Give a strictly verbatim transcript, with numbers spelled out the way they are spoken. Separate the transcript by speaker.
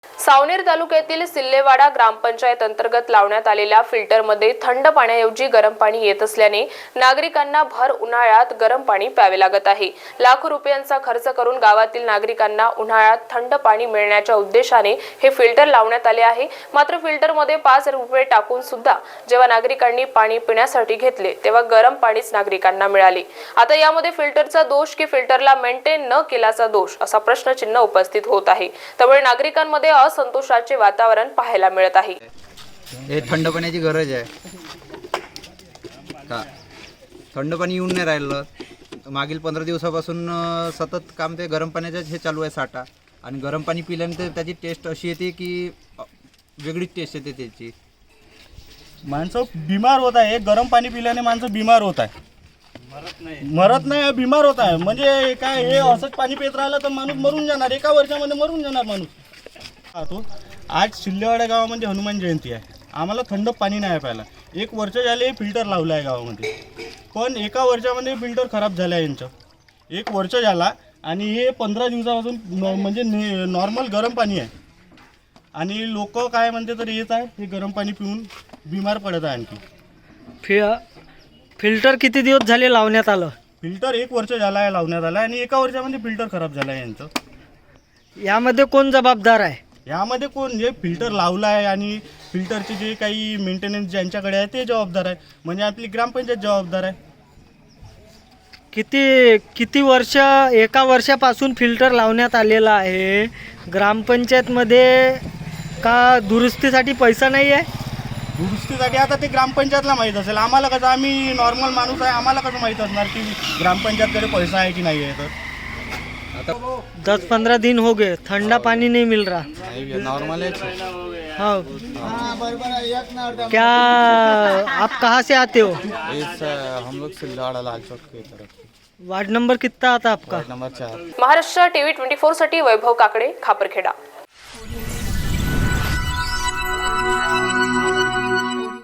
Speaker 1: सावनेर तालुक्यातील सिल्लेवाडा ग्रामपंचायत अंतर्गत लावण्यात आलेल्या फिल्टरमध्ये थंड पाण्याऐवजी गरम पाणी येत असल्याने नागरिकांना भर उन्हाळ्यात गरम पाणी प्यावे लागत आहे। लाखो रुपयांचा खर्च करून गावातील नागरिकांना उन्हाळ्यात थंड पाणी मिळण्याच्या उद्देशाने हे फिल्टर लावण्यात आले आहे। मात्र फिल्टरमध्ये पाच रुपये टाकून सुद्धा जेव्हा नागरिकांनी पाणी पिण्यासाठी घेतले तेव्हा गरम पाणीच नागरिकांना मिळाले। आता यामध्ये फिल्टरचा दोष की फिल्टरला मेंटेन न केल्याचा दोष असा प्रश्नचिन्ह उपस्थित होत आहे। त्यामुळे नागरिकांमध्ये असंतोषाचे वातावरण पाहायला मिळत आहे।
Speaker 2: हे थंड पाण्याची गरज आहे का? थंड पाणी येऊन नाही राहिलं। मागील पंधरा दिवसापासून सतत काम ते गरम पाण्याचं हे चालू आहे साठा, आणि गरम पाणी पिल्यानंतर त्याची टेस्ट अशी येते की वेगळीच टेस्ट येते त्याची।
Speaker 3: माणसं बिमार होत आहे। गरम पाणी पिल्याने माणसं बिमार होत आहे, मरत नाही मरत नाही बिमार होत आहे। म्हणजे काय, हे असंच पाणी पित राहिलं तर माणूस मरून जाणार, एका वर्षामध्ये मरून जाणार माणूस। तो आज सिल्लेवाडा गावामध्ये हनुमान जयंती आहे, आम्हाला थंड पाणी नाही प्यायला। एक वर्ष झाले फिल्टर लावलं आहे गावामध्ये, पण एका वर्षामध्ये फिल्टर खराब झालं आहे यांचं। एक वर्ष झाला आणि हे पंधरा दिवसापासून म्हणजे नॉर्मल गरम पाणी आहे, आणि लोक काय म्हणते तर येत आहे हे गरम पाणी पिऊन बिमार पडत आहे। आणखी
Speaker 4: फि फिल्टर किती दिवस झाले लावण्यात आलं?
Speaker 3: फिल्टर एक वर्ष झाला आहे लावण्यात आला, आणि एका वर्षामध्ये फिल्टर खराब झालं आहे यांचं।
Speaker 4: यामध्ये कोण जबाबदार आहे?
Speaker 3: यामध्ये कोण, जे फिल्टर लावलं आहे आणि फिल्टरचे जे काही मेंटेनन्स ज्यांच्याकडे आहे ते जबाबदार आहे, म्हणजे आपली ग्रामपंचायत जबाबदार आहे।
Speaker 4: किती किती वर्ष, एका वर्षापासून फिल्टर लावण्यात आलेला आहे ग्रामपंचायतमध्ये, का दुरुस्तीसाठी पैसा नाही आहे?
Speaker 3: दुरुस्तीसाठी आता ते ग्रामपंचायतला माहीत असेल, आम्हाला कसं, आम्ही नॉर्मल माणूस आहे, आम्हाला कसं माहीत असणार की ग्रामपंचायतकडे पैसा आहे की नाही आहे। तर
Speaker 2: आता
Speaker 4: दस पंद्रह दिन हो गए, ठंडा पानी नहीं मिल रहा।
Speaker 2: नॉर्मल है।
Speaker 4: हाँ, क्या आप कहाँ से आते हो?
Speaker 2: इस हम लोग सिल्लेवाड़ा लाल चौक की तरफ।
Speaker 4: वार्ड नंबर कितना आता आपका?
Speaker 2: नंबर चार।
Speaker 1: महाराष्ट्र टीव्ही ट्वेंटी फोर साठी वैभव काकडे, खापरखेडा।